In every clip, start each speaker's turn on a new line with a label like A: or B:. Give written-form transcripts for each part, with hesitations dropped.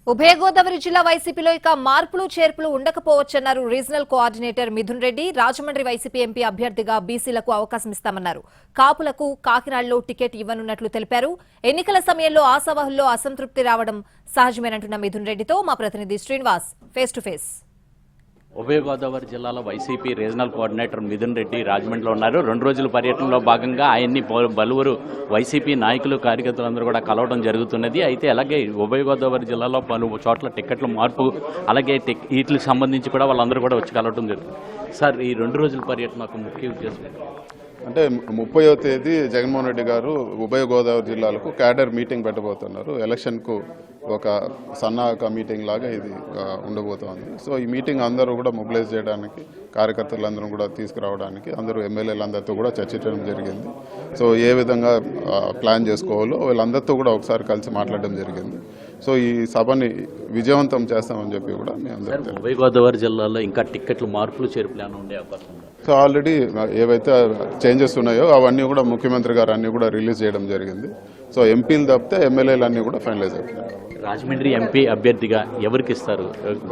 A: ఉభయ గోదావరి జిల్లా వైసీపీలో ఇక మార్పులు చేర్పులు ఉండకపోవచ్చన్నారు regional coordinator Mithun Reddy. Rajahmundry YCP MP అభ్యర్థిగా బీసీలకు అవకాశం ఇస్తామన్నారు. కాపులకు కాకినాడలో టికెట్ ఇవ్వనున్నట్లు తెలిపారు. ఎన్నికల సమయంలో ఆశావహుల్లో అసంతృప్తి రావడం సహజమేనంటున్న మిథున్ రెడ్డితో మా ప్రతినిధి శ్రీనివాస్ ఫేస్ టు ఫేస్.
B: ఉభయ గోదావరి జిల్లాలో YCP regional coordinator Mithun Reddy రాజమండ్రిలో ఉన్నారు. 2 రోజుల పర్యటనలో భాగంగా ఆయన్ని పలువురు వైసీపీ నాయకులు కార్యకర్తలందరూ కూడా కలవడం జరుగుతున్నది. అయితే అలాగే ఉభయ గోదావరి జిల్లాలో పలు చోట్ల టికెట్ల మార్పు, అలాగే వీటికి సంబంధించి కూడా వాళ్ళందరూ కూడా వచ్చి కలవడం జరుగుతుంది. సార్, ఈ 2 రోజుల పర్యటన ఒక ముఖ్య ఉద్దేశం
C: అంటే 30వ తేదీ జగన్మోహన్ రెడ్డి గారు ఉభయ గోదావరి జిల్లాలకు క్యాడర్ మీటింగ్ పెట్టబోతున్నారు. ఎలక్షన్కు ఒక సన్నాహక మీటింగ్ లాగా ఇది ఉండబోతోంది. సో ఈ మీటింగ్ అందరూ కూడా మొబిలైజ్ చేయడానికి, కార్యకర్తలందరూ కూడా తీసుకురావడానికి అందరూ ఎమ్మెల్యేలందరితో కూడా చర్చించడం జరిగింది. సో ఏ విధంగా ప్లాన్ చేసుకోవాలో వీళ్ళందరితో కూడా ఒకసారి కలిసి మాట్లాడడం జరిగింది. సో ఈ సభని విజయవంతం చేస్తామని చెప్పి కూడా మేము
B: ఉభయ గోదావరి జిల్లాలో ఇంకా టికెట్లు మార్పులు చేర్పులు ఉండే అవకాశం ఉంది.
C: సో ఆల్రెడీ ఏవైతే చేంజెస్ ఉన్నాయో అవన్నీ కూడా ముఖ్యమంత్రి గారు అన్నీ కూడా రిలీజ్ చేయడం జరిగింది. సో ఎంపీలు తప్పితే ఎమ్మెల్యేలు అన్నీ కూడా ఫైనలైజ్ అవుతున్నాయి.
B: రాజమండ్రి ఎంపీ అభ్యర్థిగా ఎవరికి ఇస్తారు?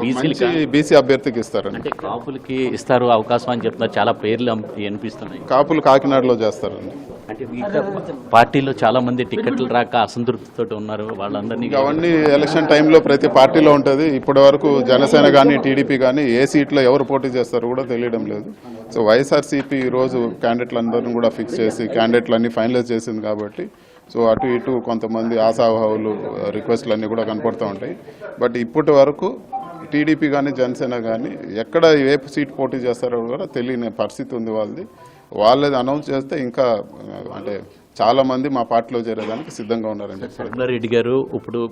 C: బీసీ అభ్యర్థికి ఇస్తారు.
B: అంటే కాపులకి ఇస్తారు అవకాశం అని చెప్తున్నారు. చాలా పేర్లు అనిపిస్తున్నాయి.
C: కాపులు కాకినాడలో చేస్తారండి.
B: అంటే పార్టీలో చాలా మంది టికెట్లు రాక అసంతృప్తితో ఉన్నారు. వాళ్ళందరినీ
C: అవన్నీ ఎలక్షన్ టైంలో ప్రతి పార్టీలో ఉంటుంది. ఇప్పటి వరకు జనసేన కానీ టీడీపీ కానీ ఏ సీట్లో ఎవరు పోటీ చేస్తారో కూడా తెలియడం లేదు. సో వైఎస్ఆర్సీపీ ఈరోజు క్యాండిడేట్లందరినీ కూడా ఫిక్స్ చేసి క్యాండిడేట్లన్నీ ఫైనలైజ్ చేసింది కాబట్టి సో అటు ఇటు కొంతమంది ఆశావాహులు రిక్వెస్ట్లు అన్నీ కూడా కనపడుతూ ఉంటాయి. బట్ ఇప్పటి వరకు టీడీపీ కానీ జనసేన కానీ ఎక్కడ ఏ సీట్ పోటీ చేస్తారో కూడా తెలియని పరిస్థితి ఉంది వాళ్ళది. వాళ్ళది అనౌన్స్ చేస్తే ఇంకా అంటే చాలా మంది మా పార్టీలో చేరేదానికి సిద్ధంగా ఉన్నారని చెప్పారు.
B: రెడ్డి గారు ఇప్పుడు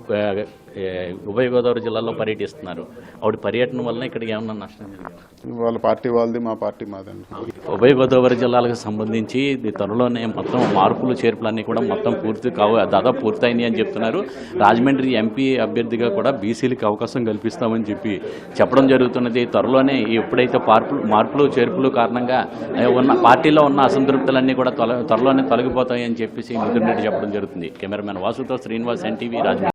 B: ఉభయ గోదావరి జిల్లాలో పర్యటిస్తున్నారు. ఆవిడ పర్యటన వలన ఇక్కడికి ఏమన్నా నష్టం జరిగింది?
C: వాళ్ళ పార్టీ వాళ్ళది, మా పార్టీ మాదండి.
B: ఉభయ గోదావరి జిల్లాలకు సంబంధించి త్వరలోనే మొత్తం మార్పులు చేర్పులన్నీ కూడా మొత్తం దాదాపు పూర్తయినాయి అని చెప్తున్నారు. రాజమండ్రి ఎంపీ అభ్యర్థిగా కూడా బీసీలకు అవకాశం కల్పిస్తామని చెప్పడం జరుగుతున్నది. త్వరలోనే ఎప్పుడైతే మార్పులు చేర్పులు కారణంగా ఉన్న పార్టీలో ఉన్న అసంతృప్తులన్నీ కూడా త్వరలోనే తొలగిపోతాయని చెప్పేసి మిథున్ రెడ్డి చెప్పడం జరుగుతుంది. కెమెరామెన్ వాసుతో శ్రీనివాస్, ఎన్టీవీ, రాజమండ్రి.